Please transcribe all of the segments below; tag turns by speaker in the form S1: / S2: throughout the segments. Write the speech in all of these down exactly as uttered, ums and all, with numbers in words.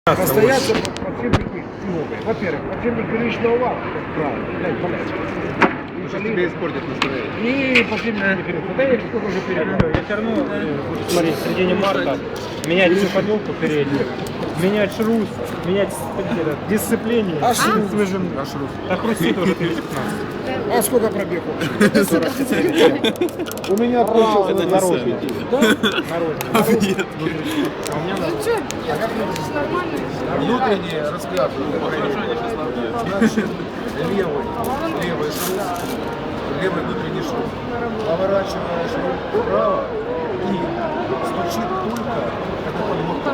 S1: Настояться подшипники новые. Во-первых, подшипник первичного вала, как правило. Дай, понять.
S2: Сейчас тебе испортят настроение.
S1: И подшипник не передний. Да я сколько уже передал.
S3: Я все равно буду смотреть в середине марта, менять всю подвелку переднюю, менять шрус, менять дисциплину.
S1: А шрус?
S3: Свежим.
S2: А шрус?
S3: А хрустит уже тысяч пятнадцать.
S1: А сколько пробег общий?
S2: У меня получился
S3: наружный.
S1: Да?
S3: Наружный. А у меня
S2: внутренний разгляд. Значит, левый, левый шрус, левый внутренний шрус. Поворачиваешь руль вправо и стучит только, когда подводка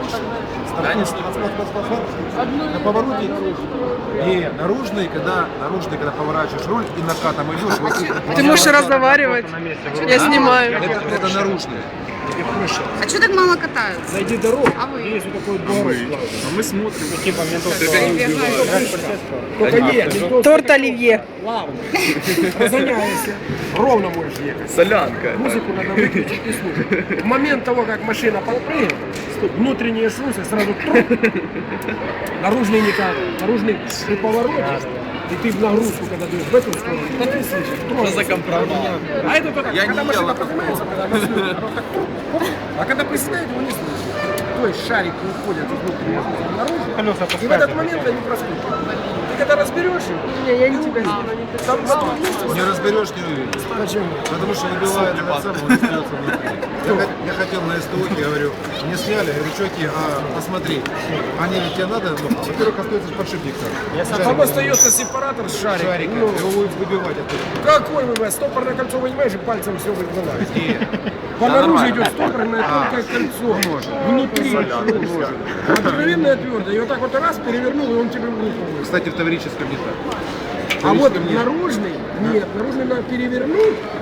S2: на повороте не наружный, когда наружный, когда поворачиваешь руль и накатом идешь. Вот
S4: Ты можешь разговаривать. Я снимаю.
S2: это, это наружный.
S4: А что так мало катаются?
S1: Найди дорогу.
S4: А вы?
S1: Есть вот такой поворот.
S3: мы смотрим, типа ментовского.
S1: Только нет, ментовский
S4: Торт оливье.
S1: плавно. Разгоняешься. Ровно можешь ехать.
S2: Солянка.
S1: Музыку надо выключить и слушать. В момент того, как машина подпрыгивает, внутренние шрусы сразу труп. Наружный никак. Наружный при повороте. И ты в нагрузку, когда даешь в эту сторону, то ты слышишь. Что за компромат? А это только,
S2: Я
S1: когда
S2: не
S1: машина
S2: ел
S1: поднимается, когда она слышит, оно так труп. А когда приседает, его не слышишь. То есть шарики уходят из внутреннего шруса наружу.
S3: Колеса
S1: И в этот момент они проскакивают. Ты когда разберешь их,
S4: Не, я не тебя
S1: там на том месте.
S2: Не разберешь, не увидишь.
S1: Почему?
S2: Потому что выбивает этот самый, он остается внутри. Я, хот- я хотел на СТО, я говорю, не сняли, я говорю, чуваки, а посмотри, они ведь тебе надо, ну, во-первых, остается подшипник там.
S1: Там остается сепаратор с шариком.
S2: Шарика,
S1: Ну,
S2: его будет выбивать оттуда.
S1: какой вы, стопорное кольцо вынимаешь и пальцем все выбиваешь.
S2: И
S1: По
S2: Да,
S1: наружу
S2: нормально.
S1: идет стопорное
S2: А,
S1: только кольцо.
S2: может.
S1: Внутри.
S2: Солянка, может.
S1: Обыкновенное твердое. И вот так вот раз перевернул, и он тебе в руку.
S2: кстати, в таврическом не так.
S1: А вот
S2: Таврическом нет.
S1: наружный, нет, наружный надо перевернуть,